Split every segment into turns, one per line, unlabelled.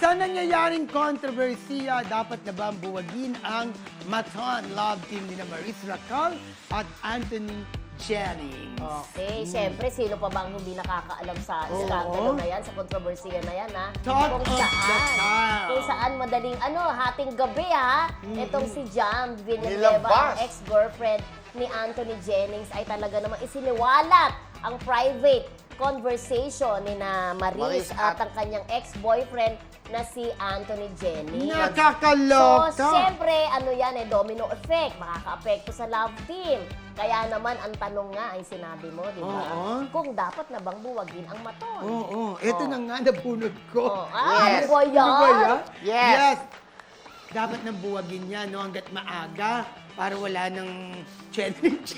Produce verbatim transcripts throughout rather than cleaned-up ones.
Sa nangyayaring kontrobersiya, dapat na ba buwagin ang Maton love team ni Maris Racal at Anthony Jennings?
Okay, syempre, sino pa bang hindi nakakaalam sa
Oo.
iskandalo na yan, sa kontrobersiya na yan, ha?
Talk
Kung
of the
saan,
town.
kung saan madaling, ano, hating gabi, ha? Itong si Jam Villanueva,
Nilabas.
ang ex-girlfriend ni Anthony Jennings, ay talaga namang isiniwalat ang private conversation ni na Maris,
Maris
at
at-
ang kanyang ex-boyfriend na si Anthony Jennings.
Nakakaloka!
So, siyempre, ano yan eh, domino effect. Makaka-apekto sa love team. Kaya naman, ang tanong nga ay sinabi mo, di ba?
Oo.
Kung dapat na bang buwagin ang Maton?
Oo, ito
Oh.
na nga nabunod ko.
Oh, ah,
Yes.
ano ba yan?
Ano ba yan?
Yes.
Dapat nang buwagin niya, no, hanggat maaga, para wala nang challenge.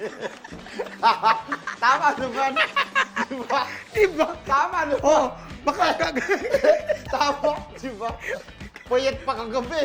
Tama naman. Diba?
diba?
Tama naman.
Oh, baka...
Tama, diba? Puyat pa kagabi.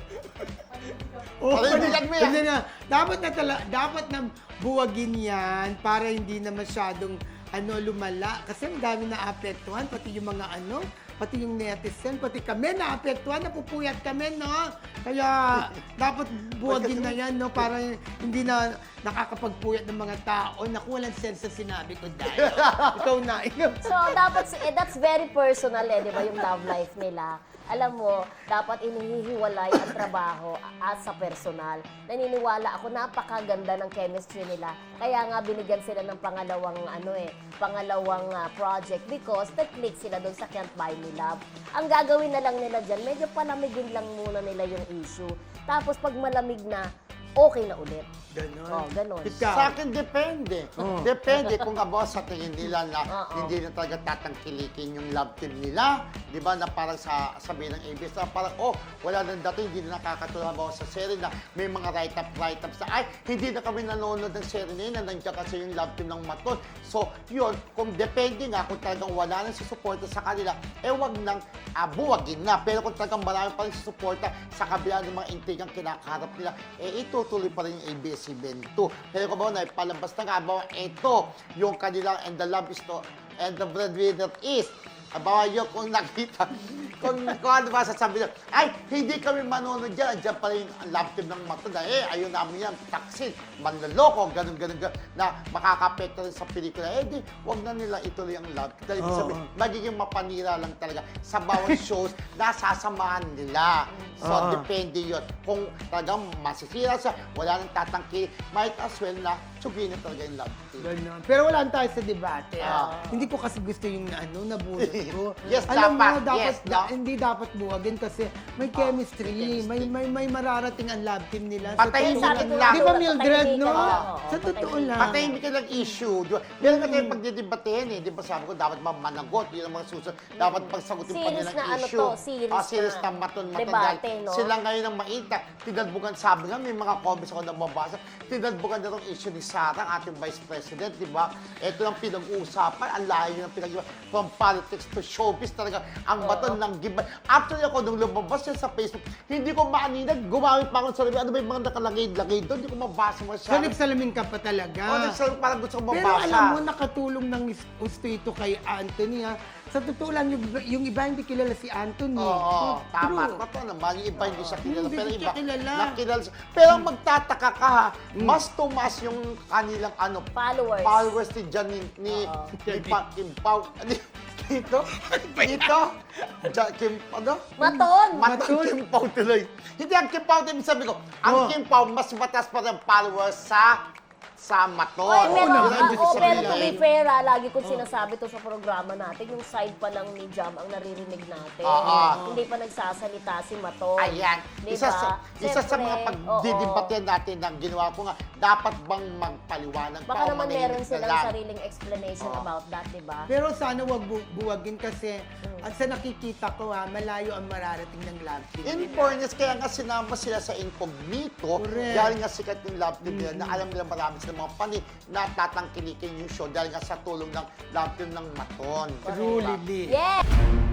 Oh,
Panindigan mo yan.
hindi na. Dapat na tala, dapat na buwagin yan para hindi na masyadong ano lumala. Kasi ang dami na apektuhan, pati yung mga ano, pati yung netizen, pati kami na apektuhan, napupuyat kami, no? Kaya dapat buwagin na yan, no? Para hindi na nakakapagpuyat ng mga tao. Naku, walang sense sa sinabi ko dahil. Ikaw na, ikaw.
So, dapat, eh, that's very personal eh, di ba, yung love life nila. Alam mo, dapat inihihiwalay ang trabaho at sa personal. Naniniwala ako, napakaganda ng chemistry nila. Kaya nga binigyan sila ng pangalawang ano eh, pangalawang ah, project because nag-click sila doon sa Can't Buy Me Love. Ang gagawin na lang nila dyan, medyo palamigin lang muna nila yung issue. Tapos pag malamig na, okay na ulit.
Ganon.
Oh, ganon.
Ikaw.
Sa akin, depende.
Oh.
Depende kung abo sa tingin nila na
Oo.
hindi na talaga tatangkilikin yung love team nila. Di ba? Na parang sa sabihin ng A B S na parang, oh, wala nang dating, hindi na nakakatulong ba sa serie na may mga write-up, write-ups na, ay, hindi na kami nanonood ng serie na yun, na nandiyan kasi yung love team ng Maton. So, yun, kung depende nga, kung talagang wala nang susuporta sa kanila, eh, wag nang uh, buwagin na. Pero kung talagang marami pa rin susuporta sa kabila ng mga intrigang kinakaharap nila, eh, itutuloy pa rin yung A B S C Ben two. Pero kung ba, naipalabas na nga, ba, ito, yung kanilang, and the love is to, and the breadwinner is, abawa yun, kung nakita, kung, kung ano ba sasabi nyo, ay, hindi kami manonood dyan, andyan pa rin ang love team ng Maton na, eh, ayun namin yan, taksin, manloloko, ganun, ganun, ganun, na makakapekto rin sa pelikula, eh, di, wag na nila ituloy ang love team. Dahil ibig
Oo.
sabihin, magiging mapanira lang talaga sa bawat shows na sasamahan nila. So,
Oo.
depende yun. Kung talagang masisira siya, wala nang tatangki, might as well na tsugin na talaga yung love team.
Ganon. Pero wala tayo sa debate.
Ah.
Hindi ko kasi gusto yung ano, nabulot ko.
Yes,
Alam
dapat.
mo, dapat
Yes,
da-
no?
hindi dapat buwagin kasi may
Ah,
chemistry.
may chemistry.
May, may, may mararating ang love team nila.
Patayin
totoo
sabi
lang.
ko lang.
Di ba Mildred, no?
Patahimikan, oo,
Sa
oo,
totoo
patahimikan.
lang.
Patay hindi ka lang issue. Di ba? Meron ka tayong pagdidebatehin eh. Di ba sabi ko, dapat mamanagot. Yun ang mga susunod. Dapat pagsagutin pa
Series
nilang
na ano
issue.
to, series
Ah, series
na
na maton-maton.
debate,
Dahil
no?
Sila ngayon ang mainta. Tinadbukan, sabi nga, may mga comments ako na mabasa. Tinadbukan na itong issue ni Sarah, ang ating Vice President, di ba? Ito ang pinag-uusapan. Ang layo ng pinag-uusapan. From politics to showbiz talaga. Ang baton ng giba. Actually ako, nung lumabas yan sa Facebook, hindi ko maaninag. Gumamit pa ako sa sarili. Ano ba yung mga nakalagay-lagay doon? Hindi ko mabasa masyado.
Salip salamin ka pa talaga.
Oh, nagsabi, parang gusto ko
Pero
mabasa.
alam mo, nakatulong ng gusto ito kay Anthony, ha? Sa totoo lang, yung, yung iba hindi kilala si Anthony.
Oo, tama.
True.
Totoo naman. Yung iba hindi siya kilala.
Hindi
Pero
siya
iba,
kilala.
nakilala siya. Pero ang magtataka ka ha, mas tumas yung kanilang ano,
Followers.
followers ni Jan, ni, ni,
Oo.
ni Pa- Kim Pao. Ni, dito? Dito? Ja, Kim, ano?
Maton!
Maton
Maton.
Kim Pao tuloy. Hindi ang Kim Pao, ibig sabi ko, ang
Oh.
Kim Pao, mas matas pa rin followers sa sa Maton.
Oy, pero,
Yun ang
ah,
ibig
oh, pero
sabihin.
to be fair, ah, lagi kong sinasabi to sa programa natin, yung side pa lang ni Jam ang naririnig natin.
Oo.
Hindi pa nagsasalita si Maton.
Ayan.
Diba?
Isa sa, isa sa
Siyempre,
mga pagdidibatehan natin na ginawa ko nga, dapat bang magpaliwanag
Baka
pa o
naman
manahimik
meron
na
silang
lang?
sariling explanation
Oo.
about that, di ba?
Pero sana wag bu- buwagin kasi at sa nakikita ko, ha, malayo ang mararating ng love team.
In fairness, kaya nga sinama sila sa incognito,
Correct.
dahil nga sikat yung love team nila, na alam nila marami silang mga pani na tatangkilikin yung show dahil nga sa tulong ng love team ng Maton.
Truly.
Yeah!